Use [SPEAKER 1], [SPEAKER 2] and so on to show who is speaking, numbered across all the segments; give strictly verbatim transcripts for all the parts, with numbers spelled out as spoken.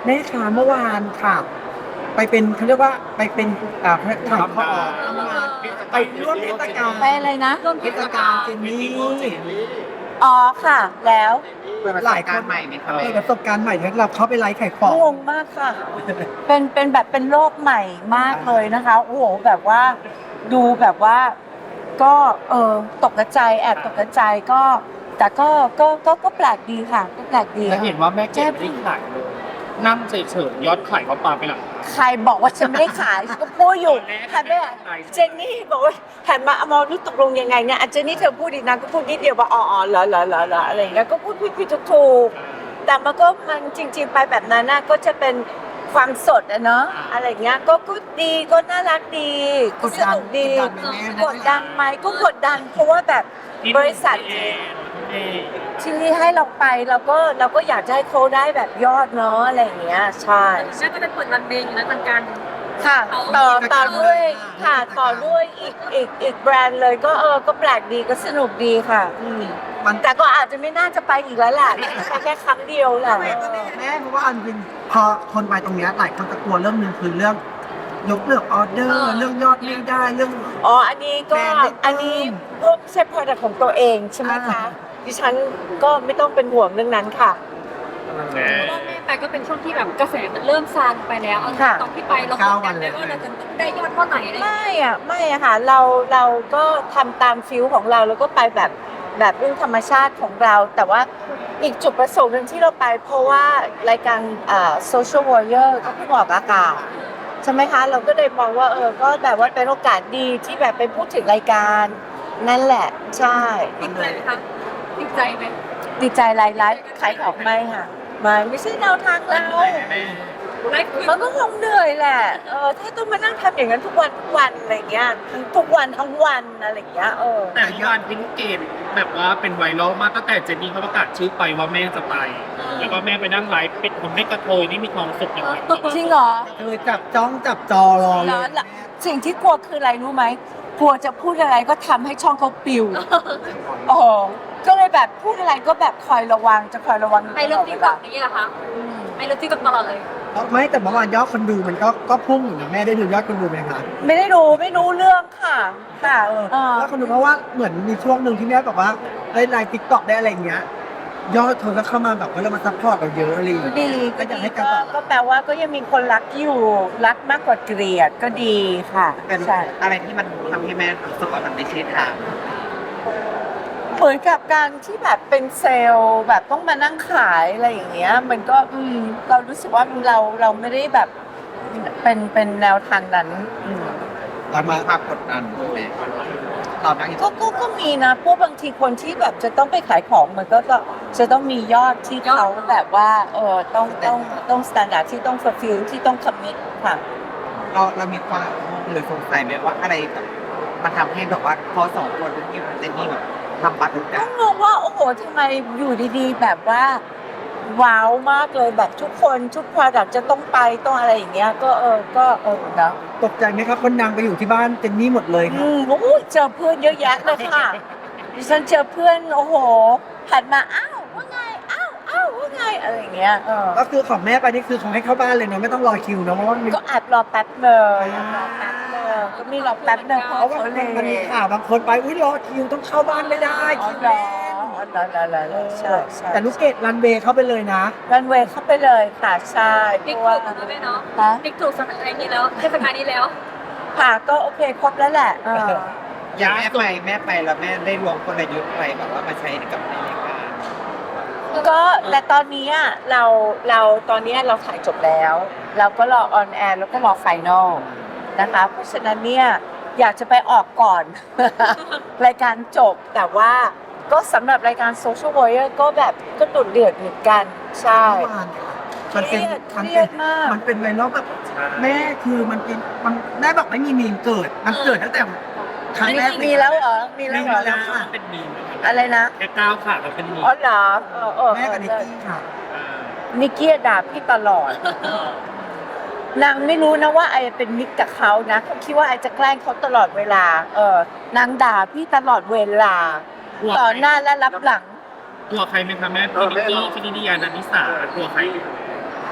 [SPEAKER 1] แม่ค้าเมื่อวานค่ะ ไปเป็นเขาเรียกว่าไปเป็นอ่าถ่ายทอดไปร่วมเทศกาล
[SPEAKER 2] ไปอะไรนะ
[SPEAKER 1] เทศกาลเจนนี่
[SPEAKER 2] อ๋อค่ะ แล้ว
[SPEAKER 1] หลายคนใหม่ไหมคะเปิดประสบการณ์ใหม่ที่เราเข้าไปไลฟ์ขายของ
[SPEAKER 2] งงมากค่ะ เป็นเป็นแบบเป็นโลกใหม่มากเลยนะคะ โอ้โหแบบว่าดูแบบว่าก็เออตกใจแอบตกใจก็ แต่ก็ก็ก็ก็แปลกดีค่ะก็แปลกดี
[SPEAKER 3] แล้วเห็นว่าแม่เก็บไม่ได้ขายเลยนั่งเฉยๆยอดขายเขาปาไปหลัง
[SPEAKER 2] ใครบอกว่าฉันไม่ได้ขายฉันก็พูดอยู่หันไปอ่ะเจนนี่บอกว่าหันมาอมรรู้ตกลงยังไงเนี่ยอ่ะเจนนี่เธอพูดดีนะก็พูดนิดเดียวว่าอ๋ออ๋อเหรอเหรอเหรอเหรออะไรอย่างเงี้ยก็พูดผิดผิดถูกๆแต่มันก็มันจริง ๆ ไปแบบนั้นน่ะก็จะเป็นความสดอะเนาะอะไรอย่างเงี้ยก็ก็ดีก็น่ารักดีก็สนุกดีกดดันไหมก็กดดันเพราะว่าแบบบริษัทที่ให้เราไปเราก็เราก็อยากจะให้เขาได้แบบยอดเนาะอะไรอย่างเงี้ยใช่
[SPEAKER 4] น่าจะเป็นเปิดรันเดย์อยู่แล้วเหมือนกัน
[SPEAKER 2] ค่ะต่อต่อด้วยค่ะต่อด้วยอีกอีกอีกแบรนด์เลยก็เออก็แปลกดีก็สนุกดีค่ะอืม
[SPEAKER 1] มัน
[SPEAKER 2] แต่ก็อาจจะไม่น่าจะไปอีกแล้วแหละไปแค่ครั้งเดียวแหละ
[SPEAKER 1] แม่เพราะว่าอันเป็นพอคนไปตรงเนี้ยหลายคนจะกลัวเรื่องหนึงคือเรื่องยกเลิกออเดอร์เรื่องยอดไม่ได้เรื่อง
[SPEAKER 2] อ๋ออันนี้ก็
[SPEAKER 1] แบรนด์ไม่ต้อง
[SPEAKER 2] อันนี้พวกใช้ product ของตัวเองใช่ไหมคะ
[SPEAKER 1] อ่า
[SPEAKER 2] ดิฉันก็ไม่ต้องเป็นห่วงเรื่องนั้นค่ะ
[SPEAKER 4] เพราะว่าแม่ไปก็เป็นช่วงที่แบบกระแสมันเริ่มซาลงไปแล้วเอา
[SPEAKER 2] ค่ะ
[SPEAKER 4] ตอนที่ไปเรากดดันเลยว่าเราจะได้ยอดเท่าไหร่อะไรอย่างเงี้ย
[SPEAKER 2] ไม่อะไม่อะค่ะเราเราก็ทำตามฟิลของเราแล้วก็ไปแบบแบบเรื่องธรรมชาติของเรา แต่ว่าอีกจุดประสงค์หนึ่งที่เราไป เพราะว่ารายการอ่า Social Warrior ก็เพิ่งออกอากาศใช่ไหมคะ เราก็เลยมองว่าเออก็แบบว่าเป็นโอกาสดีที่แบบไปพูดถึงรายการนั่นแหละใช่
[SPEAKER 4] ติดใจไหมคะติดใจไหม
[SPEAKER 2] ดีใจรายไลฟ์ขายของไม่ค่ะไม่ไม่ใช่แนวทางเรา
[SPEAKER 4] ไลฟ์คือ
[SPEAKER 2] มันก็คงเหนื่อยแหละเออถ้าต้องมานั่งทำอย่างนั้นทุกวันทุกวันอะไรเงี้ยทั้งทุกวันทั้งวันอะไรเงี้ยเออ
[SPEAKER 3] แต่ยอดพิงเกตแบบว่าเป็นไวรัลมากตั้งแต่เจนนี่เขาประกาศชื่อไปว่าแม่จะไป แล้วก็แม่ไปนั่งไลฟ์เป็นคนไม่กระโทยนี่มีความสุขอย่างไร
[SPEAKER 2] จริงเหรอ
[SPEAKER 1] คือจับจ้องจับจอรอเล
[SPEAKER 2] แล้ว
[SPEAKER 1] ย
[SPEAKER 2] แล้วสิ่งที่กลัวคืออะไรรู้ไหมกลัวจะพูดอะไรก็ทำให้ช่องเขาปิวโอ้ก็เลยแบบพูดอะไรก็แบบคอยระวังจะคอยระวัง
[SPEAKER 4] ไปเรื่องที่แบบนี้เหรอคะไปเรื่องที่แบบตลอดเลย
[SPEAKER 1] ไม่แต่เมื่อวานยอดคนดูมันก็ก็พุ่งอยู่นะแม่ได้ดูยอดคนดูไหมคะ
[SPEAKER 2] ไม่ได้รู้ไม่รู้เรื่องค่ะค่ะเออ
[SPEAKER 1] แล้วคนดูเพราะว่าเหมือนมีช่วงหนึ่งที่แม่บอกว่าได้ไลฟ์ทิกตอกได้อะไรอย่างเงี้ยยอดคนก็เข้ามาแบบว่าเรามาซัพพอร์ตเราเยอะอะไรอย่าง
[SPEAKER 2] ก็
[SPEAKER 1] เลย
[SPEAKER 2] ดี
[SPEAKER 1] ก็อยากให้การ
[SPEAKER 2] ก็
[SPEAKER 1] ตอบรับ
[SPEAKER 2] ก็แปลว่าก็ยังมีคนรักอยู่รักมากกว่าเกลียดก็ดีค่ะ
[SPEAKER 5] เป็น
[SPEAKER 2] ใช่
[SPEAKER 5] อะไรที่มันทำให้แม่รู้สึกว่ามันไม่ใช่ทาง
[SPEAKER 2] เหมือนกับการที่แบบเป็นเซลล์แบบต้องมานั่งขายอะไรอย่างเงี้ย มันก็อืมเรารู้สึกว่าเราเราไม่ได้แบบเป็นเป็นแนวทางนั้นอืม
[SPEAKER 5] เรามีความกดดันไหมเรานั่งอยู่
[SPEAKER 2] ก็ก็ก็มีนะพวกบางทีคนที่แบบจะต้องไปขายของมันก็จะจะต้องมียอดที่เขาแบบว่าเออต้องต้องต้องสแตนดาร์ดที่ต้อง fulfill ที่ต้อง commit ค่ะ
[SPEAKER 5] เราเรามีความหรือสงสัยไหมว่าอะไรแบบมันทำให้แบบว่าพอสองคนที่มันเจนนี่แบบทำบัตรทุกอ
[SPEAKER 2] ก็
[SPEAKER 5] ย่าง
[SPEAKER 2] งงว่าโอ้โหทำไมอยู่ดีๆ แบบว่า ว้าวมากเลยแบบทุกคนทุก product จะต้องไปต้องอะไรอย่างเงี้ยก็เออก็เออนะ
[SPEAKER 1] ตกใจไหมครับคนนางไปอยู่ที่บ้านเจนนี่หมดเลยค
[SPEAKER 2] อื
[SPEAKER 1] รับ
[SPEAKER 2] มโอ้ยเจอเพื่อนเยอะแยะเลยค่ะดิฉันเจอเพื่อนโอ้โหหันมาอ้าวว่าไงอ้าวอ้าวว่าไงอะไรอย่างเงี้ยเออ
[SPEAKER 1] ก็คือของแม่ไปนี่คือเขาให้เข้าบ้านเลยเนาะไม่ต้องรอคิวเนาะเพราะว่ามันมี
[SPEAKER 2] ก็แอบรอแป๊บเดินรอแป๊บเดินก็มีรอแป๊บเดินเพราะ
[SPEAKER 1] เพราะว่า
[SPEAKER 2] เขา
[SPEAKER 1] มัน
[SPEAKER 2] เลย
[SPEAKER 1] มันมีข่าวบางคนไปอุ้ยรอคิวต้องเข้าบ้านไม่ได้
[SPEAKER 2] อ๋อ
[SPEAKER 1] คิว
[SPEAKER 2] เหร
[SPEAKER 1] แน่
[SPEAKER 2] อน อ๋อเหรอเหรอเหรอเหรอใช่ใช่
[SPEAKER 1] แต่ลูกเกดรันเวย์เข้าไปเลยนะ
[SPEAKER 2] รันเวย์เข้าไปเลยค่ะใช่เพ
[SPEAKER 4] ติ๊ก
[SPEAKER 2] ราะ
[SPEAKER 4] ถู
[SPEAKER 2] ว่าก
[SPEAKER 4] แล้วแม่เนาะ
[SPEAKER 2] ฮะ
[SPEAKER 4] ติ๊กถูกสถานการณ์นี้แล้วเทศกาลนี้แล้ว
[SPEAKER 2] ค่ะก็โอเคครบแล้วแหละเออ
[SPEAKER 5] อย่างแม่ไปแม่ไปแล้วแม่ได้รวมกลยุทธ์อะไรแบบว่ามาใช้กับในรายการ
[SPEAKER 2] ก็แต่ตอนนี้อะเราเราตอนนี้เราถ่ายจบแล้ว เราก็รอออนแอร์แล้วก็รอไฟนอลนะคะเพราะฉะนั้นเนี่ยอยากจะไปออกก่อน รายการจบแต่ว่าก็สำหรับรายการ Social Warrior ก็แบบก็ดุเดือดเหมือนกันใช่
[SPEAKER 1] มันเป็น
[SPEAKER 2] เค
[SPEAKER 1] มัน
[SPEAKER 2] รี
[SPEAKER 1] เป็
[SPEAKER 2] ย
[SPEAKER 1] น
[SPEAKER 2] ดมาก
[SPEAKER 1] มันเป็นไวรัลแบบแม่คือมันเป็นมันแม่บอกไม่มีมีมเกิด มันเกิดตั้งแต่ครั้งแรก
[SPEAKER 2] มีแล้วเหรอมีแล้วเหรอ
[SPEAKER 1] มีแล้วค่ะ
[SPEAKER 3] เป็นมีม
[SPEAKER 2] อะไรนะ
[SPEAKER 3] แค่ก้าวขาก็เป็นมีม
[SPEAKER 2] อ๋อเหรอเออเออ
[SPEAKER 1] แม่กับนิกกี้ค่ะ
[SPEAKER 3] อ่า
[SPEAKER 2] นิกกี้ด่าพี่ตลอด นางไม่รู้นะว่าไอเป็นมิตรกับเขานะเขาคิดว่าไอจะแกล้งเขาตลอดเวลา เออนางด่าพี่ตลอดเวลา ต่อหน้าและรับหลัง
[SPEAKER 3] ตัวใครไหมคะแม่พี่นิกกี้พี่นิยานันนิสากลัวใคร
[SPEAKER 2] ก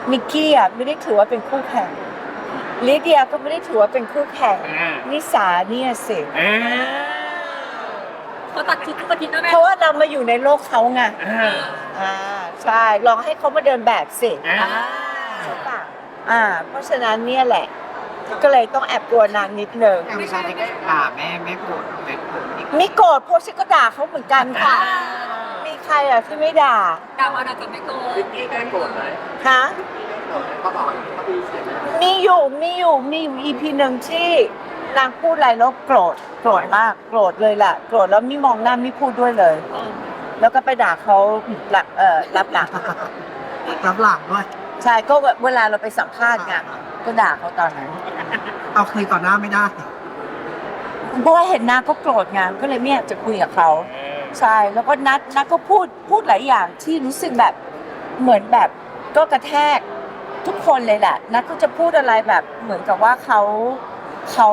[SPEAKER 2] มิกกี้อ่ะไม่ได้ถือว่าเป็นคู่แข่งลิเดียก็ไม่ได้ถือว่าเป็นคู่แข่ง
[SPEAKER 3] อ่า
[SPEAKER 2] นิสาเนี่ยสิ
[SPEAKER 3] อ่า
[SPEAKER 4] เขาตัดชุดทุกอาทิตย์นะแม่
[SPEAKER 2] เพราะว่าเรามาอยู่ในโลกเขาไง
[SPEAKER 3] อ่า
[SPEAKER 2] อ่าใช่ลองให้เขามาเดินแบบสิ
[SPEAKER 3] อ่า
[SPEAKER 2] ใช่ปะอ่า เพราะฉะนั้นเนี่ยแหละ ก็เลยต้องแอบกลัวนางนิดนึง
[SPEAKER 5] แต่เวลาที่ด่าแม่แม่โกรธแม่โกรธอีก
[SPEAKER 2] ไม่โกรธเพราะฉันก็ด่าเขาเหมือนกันค่ะ มีใครอ่ะที่ไม่ด่า
[SPEAKER 4] ดาวมาดาจะไม่โกรธ
[SPEAKER 2] ฮะมีอยู่มีอยู่มีอยู่อีพีหนึ่งที่นางพูดอะไรแล้วโกรธโกรธมากโกรธเลยแหละโกรธแล้วไม่มองหน้าไม่พูดด้วยเลย แล้วก็ไปด่าเขาหลักเอ่อรับหลัง
[SPEAKER 1] รับหลังด้วย
[SPEAKER 2] ใช่ก็เวลาเราไปสัมภาษณ์ไงก็ด่าเขาตอนนั้น
[SPEAKER 1] เอาคืนต่อหน้าไม่ได้
[SPEAKER 2] เพราะว่าเห็นหน้าก็โกรธไงก็เลยไม่อยากจะคุยกับเขาใช่แล้วก็นัดนัดก็พูดพูดหลายอย่างที่รู้สึกแบบเหมือนแบบก็กระแทกทุกคนเลยแหละนัดก็จะพูดอะไรแบบเหมือนกับว่าเขาเขา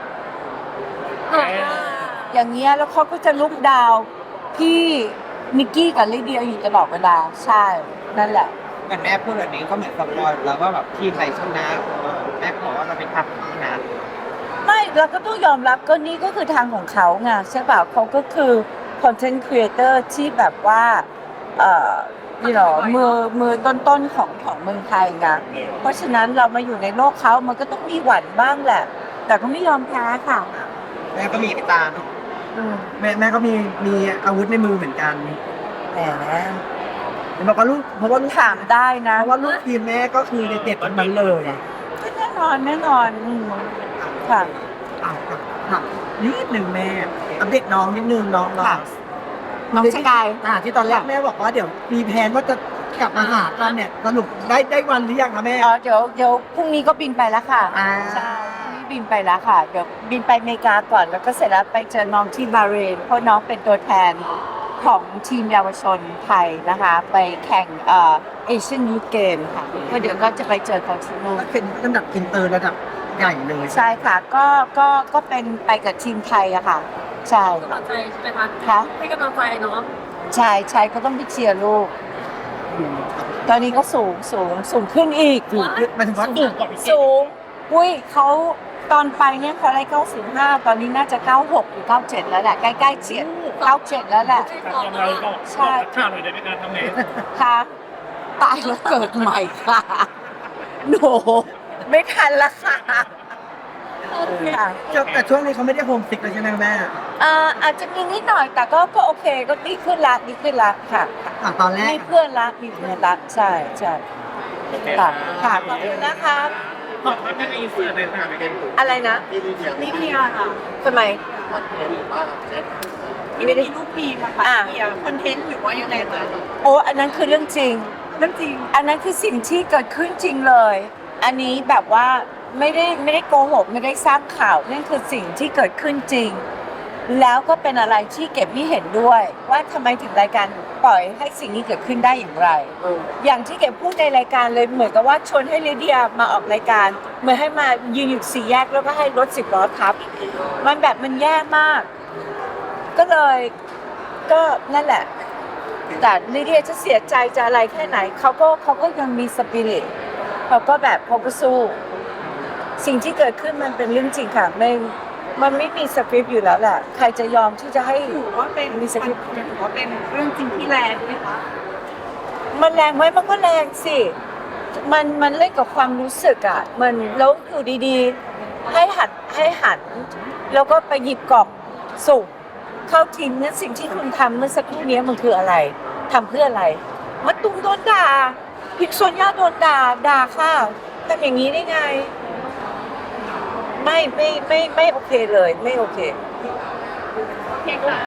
[SPEAKER 2] อย่างเงี้ยแล้วเขาก็จะลุกดาวพี่มิกกี้กับลิเดียอยู่ตลอดเวลาใช่นั่นแหละ
[SPEAKER 5] เหมือนแม่พูดแบบนี้ก็เหมือนสปอยแล้วว่าแบบทีมไหนชนะแม่บอกว่าเราเป็นทัพชนะ
[SPEAKER 2] ไม่เราก็ต้องยอมรับก็นี่ก็คือทางของเขาไงใช่ป่ะเขาก็คือคอนเทนต์ครีเอเตอร์ที่แบบว่าเอ่อนี่หรอมือมือต้นๆของของเมืองไทยไงเพราะฉะนั้นเรามาอยู่ในโลกเขามันก็ต้องมีหวั่นบ้างแหละ แต่ก็ไม่ยอมแพ้ค่ะ
[SPEAKER 5] แม่ก็มีตาเนาะ
[SPEAKER 2] อืม
[SPEAKER 1] แม่แม่ก็มีมีอาวุธในมือเหมือนกัน
[SPEAKER 2] แหม
[SPEAKER 1] เห็นบอกว่าลูกเพราะว่าลูก
[SPEAKER 2] ถามได้นะ
[SPEAKER 1] เพราะว่าลูกทีมแม่ก็คือเด็ดๆทั้งนั้นเลย
[SPEAKER 2] ก็แน่นอนแน่นอนอืมค่ะ
[SPEAKER 1] อ่ะถามนิดหนึ่งแม่อัปเดตน้องนิดนึงน้องน้อง
[SPEAKER 2] น้องสกาย
[SPEAKER 1] อ่าที่ตอนแรกแม่บอกว่าเดี๋ยวมีแผนว่าจะกลับมาหากันเนี่ยสรุปได้ได้วันหรือยังคะแม่
[SPEAKER 2] อ๋อเดี๋ยวเดี๋ยวพรุ่งนี้ก็บินไปแล้วค่ะ
[SPEAKER 1] อ่า
[SPEAKER 2] ใช่พรุ่งนี้บินไปแล้วค่ะ เดี๋ยวบินไปอเมริกาก่อน แล้วก็เสร็จแล้วไปเจอน้องที่บาห์เรน เพราะน้องเป็นตัวแทนของทีมเยาวชนไทยนะคะ ไปแข่งเอ่อเอเชียนยูเกมค่ะก็เดี๋ยวก็จะไปเจอเขาที่นู่น
[SPEAKER 1] ก็เป็นระดับอินเตอร์ระดับใหญ่เลย
[SPEAKER 2] ใช่ค่ะ ก็ก็ก็เป็นไปกับทีมไทยอะค่ะ ใช่
[SPEAKER 4] กำลังใจใช่ไหมคะ
[SPEAKER 2] ค่ะ
[SPEAKER 4] ให้กำลังใจเนาะ
[SPEAKER 2] ใช่ใช่ก็ต้องไปเชียร์ลูก ตอนนี้ก็สูงสูงสูงขึ้นอีก
[SPEAKER 1] ถูกหมายถึงว่า
[SPEAKER 2] อีกสูงอุ้ยเขาตอนไปเนี่ยเขาได้เก้าสิบห้าตอนนี้น่าจะเก้าหกหรือเก้าเจ็ดแล้วแหละใกล้ๆเฉียดเก้าเจ็ดแล้วแหละ
[SPEAKER 3] ยังไงก็
[SPEAKER 2] ใช่
[SPEAKER 3] ข่าวหน่อยได้ไหมการทำไง
[SPEAKER 2] ค่ะตายแล้วเกิดใหม่ค่ะโนไม่ทันละค่ะค่ะ
[SPEAKER 1] แต่ช่วงนี้เขาไม่ได้โฮมซิกเลยใช่ไหมแม่
[SPEAKER 2] เอ่ออาจจะมีนิดหน่อยแต่ก็ก็โอเคก็ดีขึ้นละดีขึ้นละค่ะ
[SPEAKER 1] อ่ะตอนแรก
[SPEAKER 2] มีเพื่อนละมีเพื่อนละใช่ใช่ค่ะค่ะขอบคุณนะคะ
[SPEAKER 3] ขอบคุณแม่อินเสิร์ตเลยค่ะไปกัน
[SPEAKER 2] อะไรนะ
[SPEAKER 4] นี่เพียค่ะ
[SPEAKER 2] ทำไม
[SPEAKER 4] ไม่ได้รูปพีมา
[SPEAKER 2] อ่า
[SPEAKER 4] เพียคอนเทนต์หรือว่ายังไงคะ
[SPEAKER 2] โอ้อันนั้นคือเรื่องจริง
[SPEAKER 4] เรื่องจริง
[SPEAKER 2] อันนั้นคือสิ่งที่เกิดขึ้นจริงเลย อันนี้แบบว่าไม่ได้ไม่ได้โกหกไม่ได้สร้างข่าวนั่นคือสิ่งที่เกิดขึ้นจริง แล้วก็เป็นอะไรที่เก็บไม่เห็นด้วย ว่าทำไมถึงรายการปล่อยให้สิ่งนี้เกิดขึ้นได้อย่างไร อย่างที่เก็บพูดในรายการเลยเหมือนกับว่าชวนให้ลิเดียมาออกรายการเหมือนให้มายืนอยู่สี่แยกแล้วก็ให้รถสิบล้อทับ มันแบบมันแย่มาก ก็เลยก็นั่นแหละ แต่ลิเดียจะเสียใจจะอะไรแค่ไหนเขาก็เขาก็ยังมีสปิริตเขาก็แบบเขาก็สู้ สิ่งที่เกิดขึ้นมันเป็นเรื่องจริงค่ะไม่มันไม่มีสคริปต์อยู่แล้วแหละใครจะยอมที่จะให้
[SPEAKER 4] ถือว่าเป็น
[SPEAKER 2] มีสคริปต์
[SPEAKER 4] ถือว่าเป็นเรื่องจริงที่แรงไหมคะ
[SPEAKER 2] มันแรงไหมมันก็แรงสิ มันมันเล่นกับความรู้สึกอ่ะ มันแล้วอยู่ดีๆ ให้หันให้หัน แล้วก็ไปหยิบกล่องสุ่มเข้าทีมนั้นสิ่งที่คุณทำเมื่อสักครู่นี้มันคืออะไรทำเพื่ออะไรมาตุ้มโดนด่าพิกโซนย่าโดนด่าด่าค่ะทำอย่างนี้ได้ไง ไม่ไม่ไม่ไม่โอเคเลย ไม่โอเค
[SPEAKER 4] เพียงค่ะ